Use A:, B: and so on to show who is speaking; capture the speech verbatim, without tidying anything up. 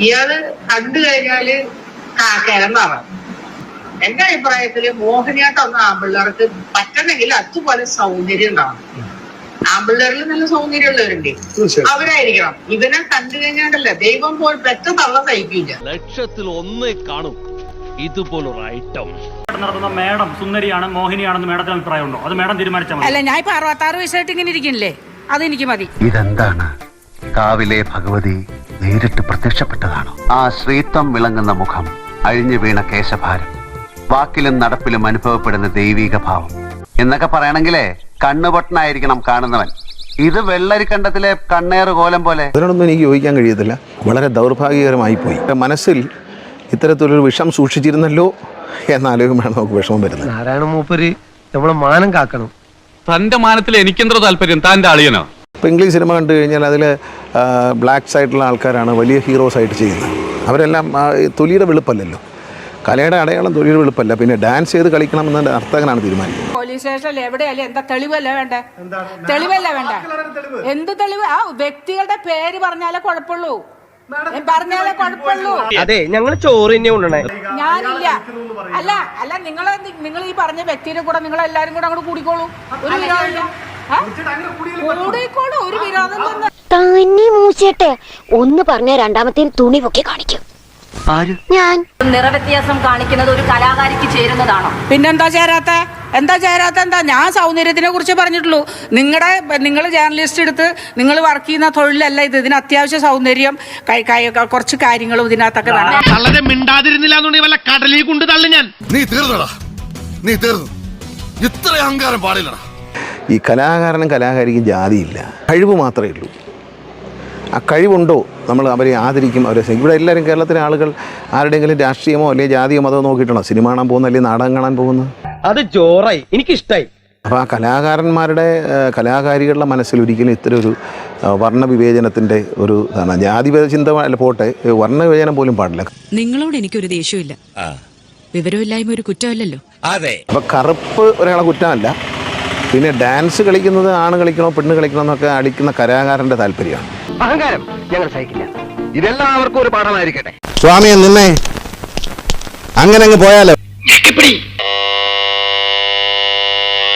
A: ഇയാള് കണ്ടു കഴിഞ്ഞാല് കിഴങ്ങാവാം. എന്റെ അഭിപ്രായത്തില് മോഹിനിയാട്ടം ഒന്നും ആമ്പിള്ളേർക്ക് പറ്റണമെങ്കിൽ അതുപോലെ സൗന്ദര്യം ഉണ്ടാവണം. ആമ്പിള്ളേരിൽ നല്ല സൗന്ദര്യമുള്ളവരുണ്ട്, അവരായിരിക്കണം. ഇവനെ കണ്ടു കഴിഞ്ഞാണ്ടല്ല ദൈവം പോൽ പെറ്റ തള്ള സഹിക്കില്ല.
B: ലക്ഷത്തിൽ ഒന്നേ കാണും ഇതുപോലൊരു ഐറ്റം
C: നടത്തുന്ന മേഡം സുന്ദരിയാണ് മോഹിനിയാണെന്ന് മേഡത്തിന് അഭിപ്രായം ഉണ്ടോ? അത് മേഡം തീരുമാനിച്ചാൽ മതി.
D: അല്ല, ഞാൻ ഇപ്പൊ അറുപത്താറ് വയസ്സായിട്ട് ഇങ്ങനെ ഇരിക്കില്ലേ, അതെനിക്ക് മതി.
E: ഇതെന്താണ്? കാവിലെ ഭഗവതി നേരിട്ട് പ്രത്യക്ഷപ്പെട്ടതാണോ? ആ ശ്രീത്വം വിളങ്ങുന്ന മുഖം, അഴിഞ്ഞു വീണ കേശഭാരം, വാക്കിലും നടപ്പിലും അനുഭവപ്പെടുന്ന ദൈവീക ഭാവം എന്നൊക്കെ പറയണെങ്കിലേ കണ്ണുപൊട്ടനായിരിക്കണം കാണുന്നവൻ. ഇത് വെള്ളരിക്കണ്ടത്തിലെ കണ്ണേറ് കോലം പോലെ.
F: അതിനോടൊന്നും എനിക്ക് യോജിക്കാൻ കഴിയത്തില്ല. വളരെ ദൗർഭാഗ്യകരമായി പോയി. മനസ്സിൽ ഇത്തരത്തിലൊരു വിഷം സൂക്ഷിച്ചിരുന്നല്ലോ എന്നാലോചിക്കുമ്പോഴാണ് നമുക്ക് വിഷമം വരുന്നത്.
G: നാരായണ മൂപ്പര് നമ്മളെ മാനം കാക്കണം.
H: തന്റെ മാനത്തിൽ എനിക്കെന്തോ താല്പര്യം, താൻ്റെ അളിയനോ?
F: ഇപ്പോൾ ഇംഗ്ലീഷ് സിനിമ കണ്ടു കഴിഞ്ഞാൽ അതിൽ ബ്ലാക്ക് സൈഡിലുള്ള ആൾക്കാരാണ് വലിയ ഹീറോസ് ആയിട്ട് ചെയ്യുന്നത്. അവരെല്ലാം തൊലിയുടെ വെളുപ്പല്ലല്ലോ, കലയുടെ അടയാളം തൊലിയുടെ വെളുപ്പല്ല. പിന്നെ ഡാൻസ് ചെയ്ത് കളിക്കണം എന്ന നർത്തകനാണ് തീരുമാനിക്കുന്നത്.
D: പോലീസ് സ്റ്റേഷനിൽ എവിടെയല്ലേ എന്താ തെളിവല്ല വേണ്ട? തെളിവല്ല വേണ്ട. എന്ത് തെളിവ്? ആ വ്യക്തികളുടെ പേര് പറഞ്ഞാലേ കുഴപ്പമുള്ളൂ, പറഞ്ഞാലേ കുഴപ്പമുള്ളൂ.
G: അതെ, ഞങ്ങൾ ചോറ് തന്നെ കൊണ്ടുവന്നേ.
D: ഞാനില്ല. അല്ല അല്ല നിങ്ങൾ നിങ്ങൾ ഈ പറഞ്ഞ വ്യക്തിയുടെ കൂടെ നിങ്ങൾ എല്ലാരും കൂടെ അങ്ങോട്ട് കൂടിക്കോളൂ. ഒരു വിരോധമില്ല, കൂടിക്കോളൂ, ഒരു വിരോധം തന്നെ.
I: തന്നെ മൂച്ചേട്ടെ ഒന്ന് പറഞ്ഞ രണ്ടാമത്തെ തുണി പൊക്കി കാണിക്കും. ഞാൻ
D: നിറവ്യത്യാസം കാണിക്കുന്നത് ഒരു കലാകാരിക്ക് ചേരുന്നതാണോ? പിന്നെന്താ ചേരാത്ത? എന്താ ചേരാത്ത? എന്താ ഞാൻ സൗന്ദര്യത്തിനെ കുറിച്ച് പറഞ്ഞിട്ടുള്ളൂ. നിങ്ങളുടെ നിങ്ങൾ ജേർണലിസ്റ്റ് എടുത്ത് നിങ്ങൾ വർക്ക് ചെയ്യുന്ന തൊഴിലല്ല ഇത്. ഇതിന് അത്യാവശ്യം സൗന്ദര്യം, കുറച്ച് കാര്യങ്ങളും ഇതിനകത്തൊക്കെ വേണം.
B: മിണ്ടാതിരുന്നില്ല വല്ല കടലിൽ കൊണ്ട് തള്ളു ഞാൻ.
J: നീ തീർന്നടാ, നീ തീർന്നു. ഇത്ര അഹങ്കാരം പാടില്ലടാ.
F: ഈ കലാകാരനും കലാകാരിക്കും ജാതിയില്ല, കഴിവ് മാത്രമേ ഉള്ളൂ. ആ കഴിവുണ്ടോ നമ്മൾ അവരെ ആദരിക്കും, അവരെ. ഇവിടെ എല്ലാവരും കേരളത്തിലെ ആളുകൾ ആരുടെയെങ്കിലും രാഷ്ട്രീയമോ അല്ലെങ്കിൽ ജാതിയോ മതമോ നോക്കിയിട്ടാണോ സിനിമ കാണാൻ പോകുന്നത് അല്ലെങ്കിൽ നാടകം കാണാൻ പോകുന്നത്?
G: അത് ജോറായി, എനിക്കിഷ്ടായി.
F: അപ്പോൾ ആ കലാകാരന്മാരുടെ കലാകാരികളുടെ മനസ്സിൽ ഒരിക്കലും ഇത്തരം ഒരു വർണ്ണവിവേചനത്തിൻ്റെ ഒരു ഇതാണ്. ജാതി ചിന്ത അല്ല പോട്ടെ, വർണ്ണവിവേചനം പോലും പാടില്ല.
K: നിങ്ങളോട് എനിക്കൊരു ദേഷ്യമില്ല, വിവരമില്ലായ്മ ഒരു കുറ്റമല്ലല്ലോ.
H: അതെ.
F: അപ്പോൾ കറുപ്പ് ഒരാളെ കുറ്റമല്ല. പിന്നെ ഡാൻസ് കളിക്കുന്നത് ആണ് കളിക്കണോ പെണ്ണ് കളിക്കണോ എന്നൊക്കെ അടിക്കുന്ന കലാകാരൻ്റെ താല്പര്യമാണ്.
G: അഹങ്കാരം ഞങ്ങൾ സഹിക്കില്ല. ഇതെല്ലാവർക്കും ഒരു പാഠമായിരിക്കട്ടെ.
F: സ്വാമിയെ നിന്നെ അങ്ങനെ അങ്ങ് പോയാലോ.